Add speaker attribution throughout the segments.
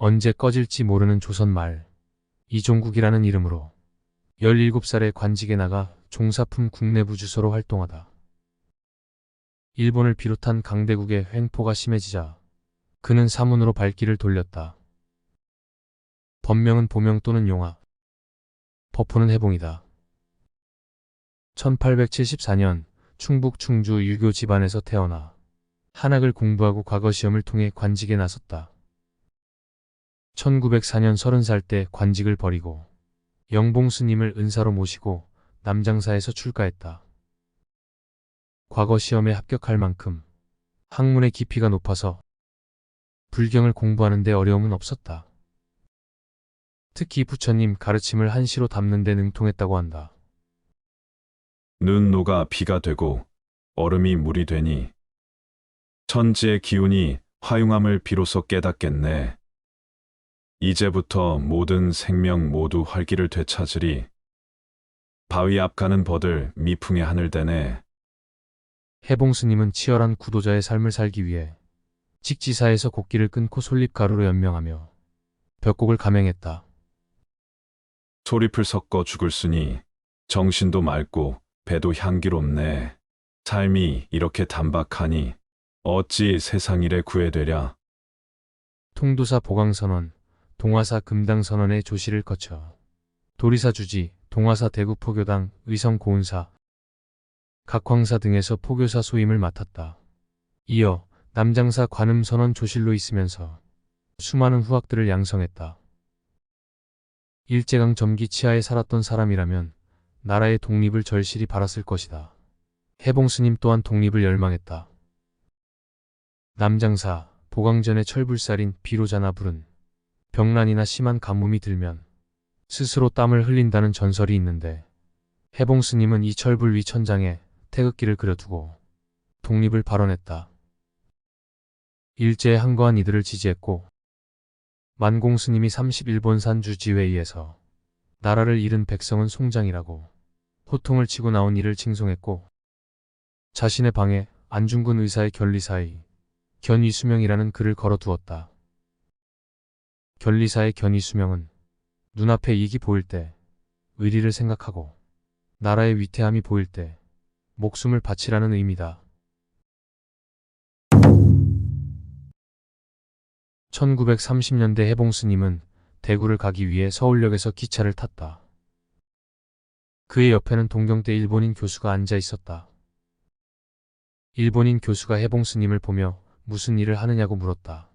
Speaker 1: 언제 꺼질지 모르는 조선 말 이종국이라는 이름으로 17살에 관직에 나가 종사품 국내부 주소로 활동하다. 일본을 비롯한 강대국의 횡포가 심해지자 그는 사문으로 발길을 돌렸다. 법명은 보명 또는 용화, 법호는 해봉이다. 1874년 충북 충주 유교 집안에서 태어나 한학을 공부하고 과거 시험을 통해 관직에 나섰다. 1904년 30살 때 관직을 버리고 영봉 스님을 은사로 모시고 남장사에서 출가했다. 과거 시험에 합격할 만큼 학문의 깊이가 높아서 불경을 공부하는 데 어려움은 없었다. 특히 부처님 가르침을 한시로 담는 데 능통했다고 한다.
Speaker 2: 눈 녹아 비가 되고 얼음이 물이 되니 천지의 기운이 화융함을 비로소 깨닫겠네. 이제부터 모든 생명 모두 활기를 되찾으리. 바위 앞 가는 버들 미풍의 하늘 되네.
Speaker 1: 해봉 스님은 치열한 구도자의 삶을 살기 위해 직지사에서 곡기를 끊고 솔잎가루로 연명하며 벽곡을 감행했다.
Speaker 2: 소립을 섞어 죽을쓰니 정신도 맑고 배도 향기롭네. 삶이 이렇게 단박하니 어찌 세상일에 구애되랴.
Speaker 1: 통도사 보강선원, 동화사 금당선원의 조시를 거쳐 도리사 주지, 동화사 대구포교당, 의성 고운사, 각황사 등에서 포교사 소임을 맡았다. 이어 남장사 관음선원 조실로 있으면서 수많은 후학들을 양성했다. 일제강 점기 치하에 살았던 사람이라면 나라의 독립을 절실히 바랐을 것이다. 해봉 스님 또한 독립을 열망했다. 남장사, 보강전의 철불살인 비로자나불은 병난이나 심한 가뭄이 들면 스스로 땀을 흘린다는 전설이 있는데 해봉 스님은 이 철불 위 천장에 태극기를 그려두고 독립을 발언했다. 일제에 항거한 이들을 지지했고 만공 스님이 31번산 주지회의에서 나라를 잃은 백성은 송장이라고 호통을 치고 나온 이를 칭송했고 자신의 방에 안중근 의사의 견리사의 견이수명이라는 글을 걸어두었다. 견리사의 견이수명은 눈앞에 이익이 보일 때 의리를 생각하고 나라의 위태함이 보일 때 목숨을 바치라는 의미다. 1930년대 해봉 스님은 대구를 가기 위해 서울역에서 기차를 탔다. 그의 옆에는 동경대 일본인 교수가 앉아 있었다. 일본인 교수가 해봉 스님을 보며 무슨 일을 하느냐고 물었다.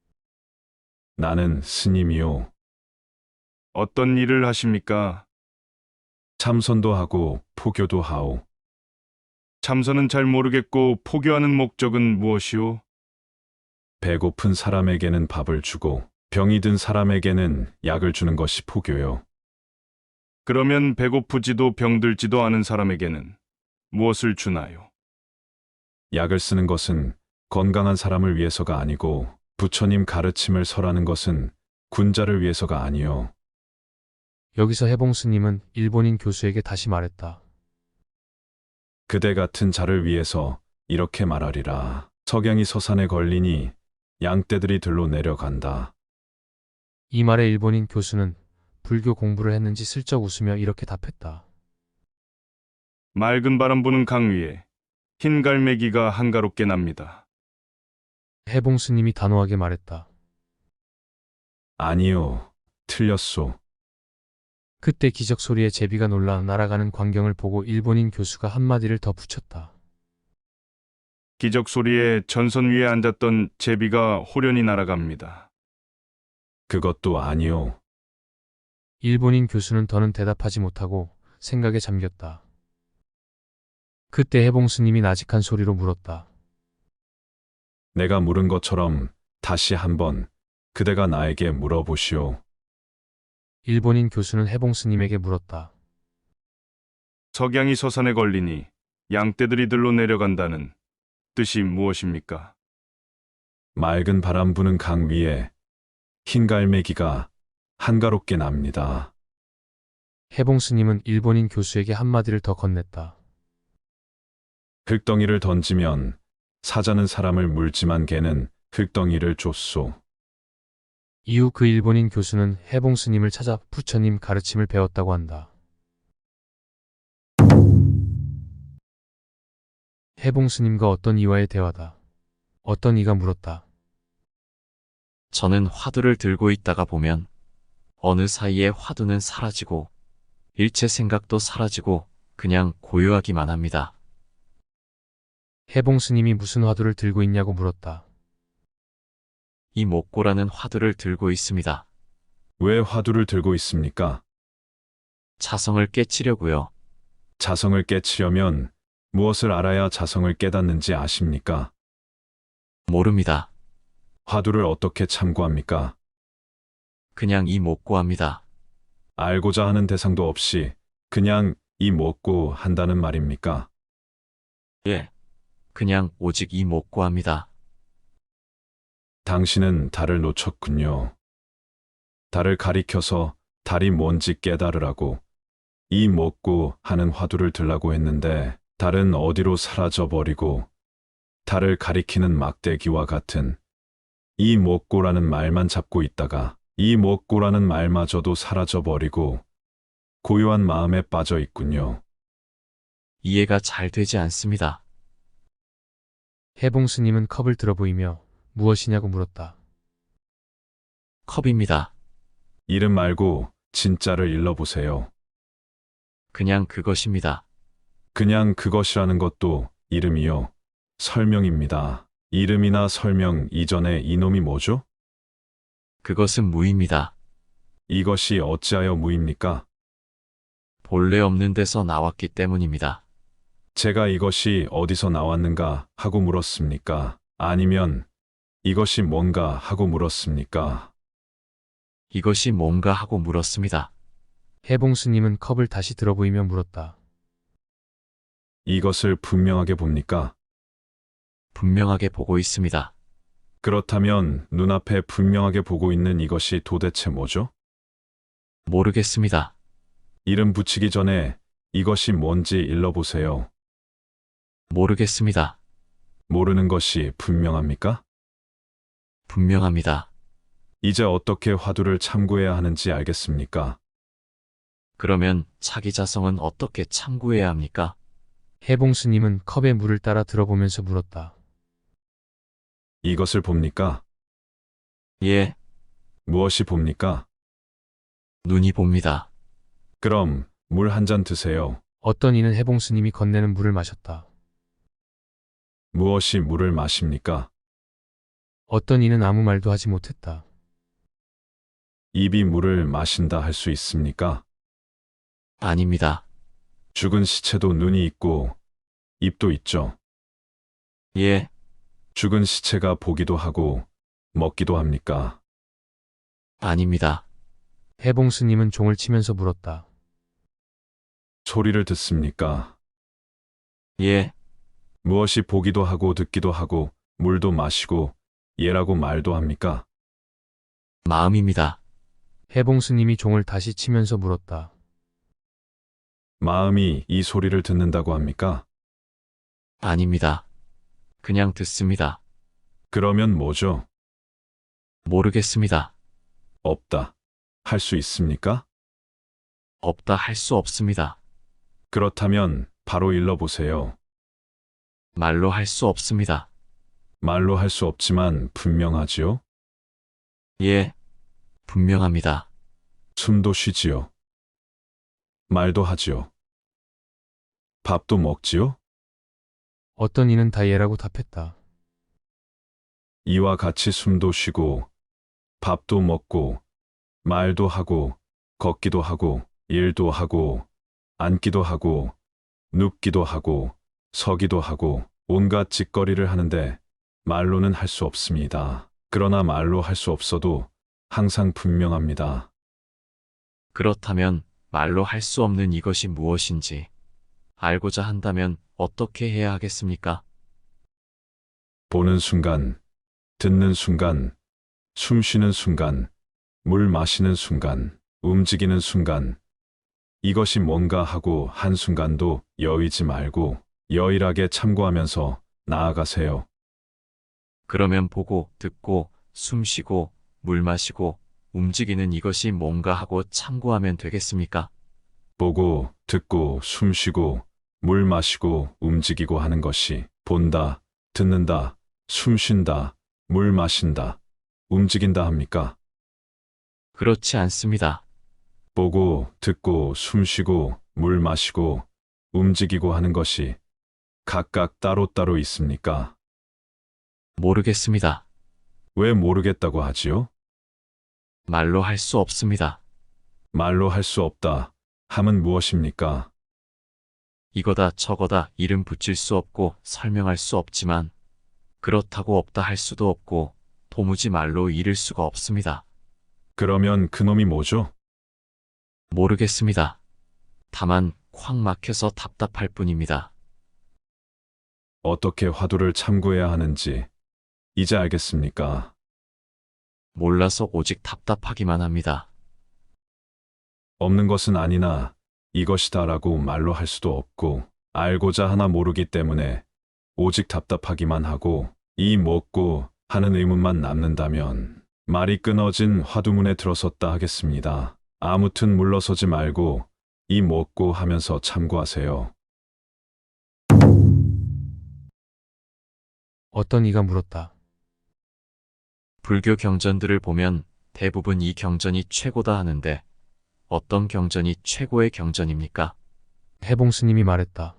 Speaker 2: 나는 스님이요.
Speaker 3: 어떤 일을 하십니까?
Speaker 2: 참선도 하고 포교도 하오.
Speaker 3: 참선은 잘 모르겠고 포교하는 목적은 무엇이오?
Speaker 2: 배고픈 사람에게는 밥을 주고 병이 든 사람에게는 약을 주는 것이 포교요.
Speaker 3: 그러면 배고프지도 병들지도 않은 사람에게는 무엇을 주나요?
Speaker 2: 약을 쓰는 것은 건강한 사람을 위해서가 아니고 부처님 가르침을 설하는 것은 군자를 위해서가 아니요.
Speaker 1: 여기서 해봉 스님은 일본인 교수에게 다시 말했다.
Speaker 2: 그대 같은 자를 위해서 이렇게 말하리라. 석양이 서산에 걸리니 양떼들이 들로 내려간다.
Speaker 1: 이 말에 일본인 교수는 불교 공부를 했는지 슬쩍 웃으며 이렇게 답했다.
Speaker 3: 맑은 바람 부는 강 위에 흰 갈매기가 한가롭게 납니다.
Speaker 1: 해봉 스님이 단호하게 말했다.
Speaker 2: 아니요, 틀렸소.
Speaker 1: 그때 기적 소리에 제비가 놀라 날아가는 광경을 보고 일본인 교수가 한마디를 더 붙였다.
Speaker 3: 기적 소리에 전선 위에 앉았던 제비가 호련히 날아갑니다.
Speaker 2: 그것도 아니요.
Speaker 1: 일본인 교수는 더는 대답하지 못하고 생각에 잠겼다. 그때 해봉 스님이 나직한 소리로 물었다.
Speaker 2: 내가 물은 것처럼 다시 한번 그대가 나에게 물어보시오.
Speaker 1: 일본인 교수는 해봉 스님에게 물었다.
Speaker 3: 석양이 서산에 걸리니 양떼들이 들로 내려간다는 뜻이 무엇입니까?
Speaker 2: 맑은 바람 부는 강 위에 흰 갈매기가 한가롭게 납니다.
Speaker 1: 해봉 스님은 일본인 교수에게 한마디를 더 건넸다.
Speaker 2: 흙덩이를 던지면 사자는 사람을 물지만 개는 흙덩이를 쫓소.
Speaker 1: 이후 그 일본인 교수는 해봉 스님을 찾아 부처님 가르침을 배웠다고 한다. 해봉 스님과 어떤 이와의 대화다. 어떤 이가 물었다.
Speaker 4: 저는 화두를 들고 있다가 보면 어느 사이에 화두는 사라지고 일체 생각도 사라지고 그냥 고요하기만 합니다.
Speaker 1: 해봉 스님이 무슨 화두를 들고 있냐고 물었다.
Speaker 4: 이 목고라는 화두를 들고 있습니다.
Speaker 2: 왜 화두를 들고 있습니까?
Speaker 4: 자성을 깨치려고요.
Speaker 2: 자성을 깨치려면 무엇을 알아야 자성을 깨닫는지 아십니까?
Speaker 4: 모릅니다.
Speaker 2: 화두를 어떻게 참고합니까?
Speaker 4: 그냥 이 목고합니다.
Speaker 2: 알고자 하는 대상도 없이 그냥 이 먹고 한다는 말입니까?
Speaker 4: 예. 그냥 오직 이 목고합니다.
Speaker 2: 당신은 달을 놓쳤군요. 달을 가리켜서 달이 뭔지 깨달으라고 이 먹고 하는 화두를 들라고 했는데 달은 어디로 사라져 버리고 달을 가리키는 막대기와 같은 이 먹고라는 말만 잡고 있다가 이 먹고라는 말마저도 사라져 버리고 고요한 마음에 빠져 있군요.
Speaker 4: 이해가 잘 되지 않습니다.
Speaker 1: 해봉 스님은 컵을 들어 보이며 무엇이냐고 물었다.
Speaker 4: 컵입니다.
Speaker 2: 이름 말고 진짜를 일러보세요.
Speaker 4: 그냥 그것입니다.
Speaker 2: 그냥 그것이라는 것도 이름이요. 설명입니다. 이름이나 설명 이전에 이놈이 뭐죠?
Speaker 4: 그것은 무입니다.
Speaker 2: 이것이 어찌하여 무입니까?
Speaker 4: 본래 없는 데서 나왔기 때문입니다.
Speaker 2: 제가 이것이 어디서 나왔는가 하고 물었습니까? 아니면 이것이 뭔가 하고 물었습니까?
Speaker 4: 이것이 뭔가 하고 물었습니다.
Speaker 1: 해봉 스님은 컵을 다시 들어 보이며 물었다.
Speaker 2: 이것을 분명하게 봅니까?
Speaker 4: 분명하게 보고 있습니다.
Speaker 2: 그렇다면 눈앞에 분명하게 보고 있는 이것이 도대체 뭐죠?
Speaker 4: 모르겠습니다.
Speaker 2: 이름 붙이기 전에 이것이 뭔지 일러보세요.
Speaker 4: 모르겠습니다.
Speaker 2: 모르는 것이 분명합니까?
Speaker 4: 분명합니다.
Speaker 2: 이제 어떻게 화두를 참고해야 하는지 알겠습니까?
Speaker 4: 그러면 자기 자성은 어떻게 참고해야 합니까?
Speaker 1: 해봉 스님은 컵에 물을 따라 들어보면서 물었다.
Speaker 2: 이것을 봅니까?
Speaker 4: 예,
Speaker 2: 무엇이 봅니까?
Speaker 4: 눈이 봅니다.
Speaker 2: 그럼 물 한 잔 드세요.
Speaker 1: 어떤 이는 해봉 스님이 건네는 물을 마셨다.
Speaker 2: 무엇이 물을 마십니까?
Speaker 1: 어떤 이는 아무 말도 하지 못했다.
Speaker 2: 입이 물을 마신다 할 수 있습니까?
Speaker 4: 아닙니다.
Speaker 2: 죽은 시체도 눈이 있고 입도 있죠.
Speaker 4: 예,
Speaker 2: 죽은 시체가 보기도 하고 먹기도 합니까?
Speaker 4: 아닙니다.
Speaker 1: 해봉 스님은 종을 치면서 물었다.
Speaker 2: 소리를 듣습니까?
Speaker 4: 예,
Speaker 2: 무엇이 보기도 하고 듣기도 하고 물도 마시고 예라고 말도 합니까?
Speaker 4: 마음입니다.
Speaker 1: 해봉 스님이 종을 다시 치면서 물었다.
Speaker 2: 마음이 이 소리를 듣는다고 합니까?
Speaker 4: 아닙니다. 그냥 듣습니다.
Speaker 2: 그러면 뭐죠?
Speaker 4: 모르겠습니다.
Speaker 2: 없다. 할 수 있습니까?
Speaker 4: 없다 할 수 없습니다.
Speaker 2: 그렇다면 바로 일러보세요.
Speaker 4: 말로 할 수 없습니다.
Speaker 2: 말로 할 수 없지만 분명하지요?
Speaker 4: 예, 분명합니다.
Speaker 2: 숨도 쉬지요? 말도 하지요? 밥도 먹지요?
Speaker 1: 어떤 이는 다 예라고 답했다.
Speaker 2: 이와 같이 숨도 쉬고 밥도 먹고 말도 하고 걷기도 하고 일도 하고 앉기도 하고 눕기도 하고 서기도 하고 온갖 짓거리를 하는데 말로는 할 수 없습니다. 그러나 말로 할 수 없어도 항상 분명합니다.
Speaker 4: 그렇다면 말로 할 수 없는 이것이 무엇인지 알고자 한다면 어떻게 해야 하겠습니까?
Speaker 2: 보는 순간, 듣는 순간, 숨 쉬는 순간, 물 마시는 순간, 움직이는 순간, 이것이 뭔가 하고 한순간도 여의지 말고 여일하게 참고하면서 나아가세요.
Speaker 4: 그러면 보고, 듣고, 숨 쉬고, 물 마시고 움직이는 이것이 뭔가 하고 참고하면 되겠습니까?
Speaker 2: 보고, 듣고, 숨쉬고, 물 마시고, 움직이고 하는 것이 본다, 듣는다, 숨쉰다, 물 마신다, 움직인다 합니까?
Speaker 4: 그렇지 않습니다.
Speaker 2: 보고, 듣고, 숨쉬고, 물 마시고, 움직이고 하는 것이 각각 따로따로 있습니까?
Speaker 4: 모르겠습니다.
Speaker 2: 왜 모르겠다고 하지요?
Speaker 4: 말로 할 수 없습니다.
Speaker 2: 말로 할 수 없다 함은 무엇입니까?
Speaker 4: 이거다 저거다 이름 붙일 수 없고 설명할 수 없지만 그렇다고 없다 할 수도 없고 도무지 말로 이를 수가 없습니다.
Speaker 2: 그러면 그놈이 뭐죠?
Speaker 4: 모르겠습니다. 다만 콱 막혀서 답답할 뿐입니다.
Speaker 2: 어떻게 화두를 참고해야 하는지 이제 알겠습니까?
Speaker 4: 몰라서 오직 답답하기만 합니다.
Speaker 2: 없는 것은 아니나 이것이다라고 말로 할 수도 없고 알고자 하나 모르기 때문에 오직 답답하기만 하고 이 뭐고 하는 의문만 남는다면 말이 끊어진 화두문에 들어섰다 하겠습니다. 아무튼 물러서지 말고 이 뭐고 하면서 참고하세요.
Speaker 1: 어떤 이가 물었다.
Speaker 4: 불교 경전들을 보면 대부분 이 경전이 최고다 하는데 어떤 경전이 최고의 경전입니까?
Speaker 1: 해봉 스님이 말했다.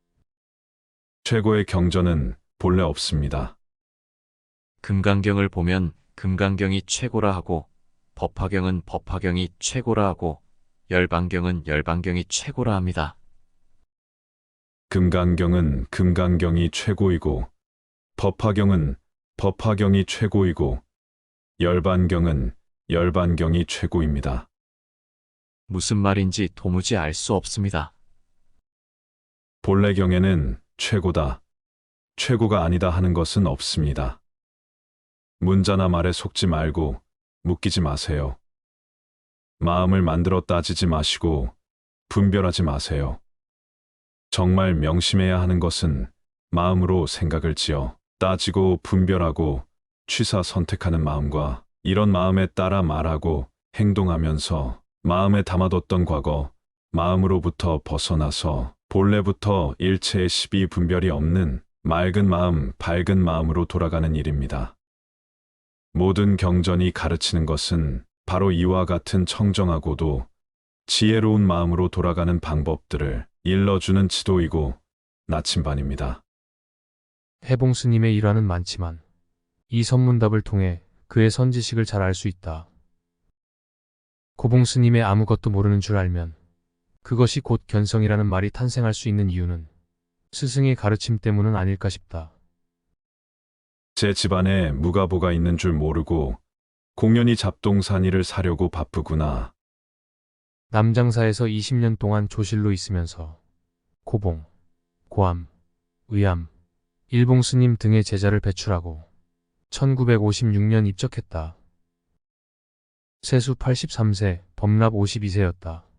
Speaker 2: 최고의 경전은 본래 없습니다.
Speaker 4: 금강경을 보면 금강경이 최고라 하고 법화경은 법화경이 최고라 하고 열반경은 열반경이 최고라 합니다.
Speaker 2: 금강경은 금강경이 최고이고 법화경은 법화경이 최고이고 열반경은 열반경이 최고입니다.
Speaker 4: 무슨 말인지 도무지 알 수 없습니다.
Speaker 2: 본래 경에는 최고다, 최고가 아니다 하는 것은 없습니다. 문자나 말에 속지 말고 묶이지 마세요. 마음을 만들어 따지지 마시고 분별하지 마세요. 정말 명심해야 하는 것은 마음으로 생각을 지어 따지고 분별하고 취사 선택하는 마음과 이런 마음에 따라 말하고 행동하면서 마음에 담아뒀던 과거, 마음으로부터 벗어나서 본래부터 일체의 시비 분별이 없는 맑은 마음, 밝은 마음으로 돌아가는 일입니다. 모든 경전이 가르치는 것은 바로 이와 같은 청정하고도 지혜로운 마음으로 돌아가는 방법들을 일러주는 지도이고 나침반입니다.
Speaker 1: 해봉 스님의 일화는 많지만 이 선문답을 통해 그의 선지식을 잘 알 수 있다. 고봉 스님의 아무것도 모르는 줄 알면 그것이 곧 견성이라는 말이 탄생할 수 있는 이유는 스승의 가르침 때문은 아닐까 싶다.
Speaker 2: 제 집안에 무가보가 있는 줄 모르고 공연히 잡동사니를 사려고 바쁘구나.
Speaker 1: 남장사에서 20년 동안 조실로 있으면서 고봉, 고암, 의암, 일봉 스님 등의 제자를 배출하고 1956년 입적했다. 세수 83세, 법납 52세였다.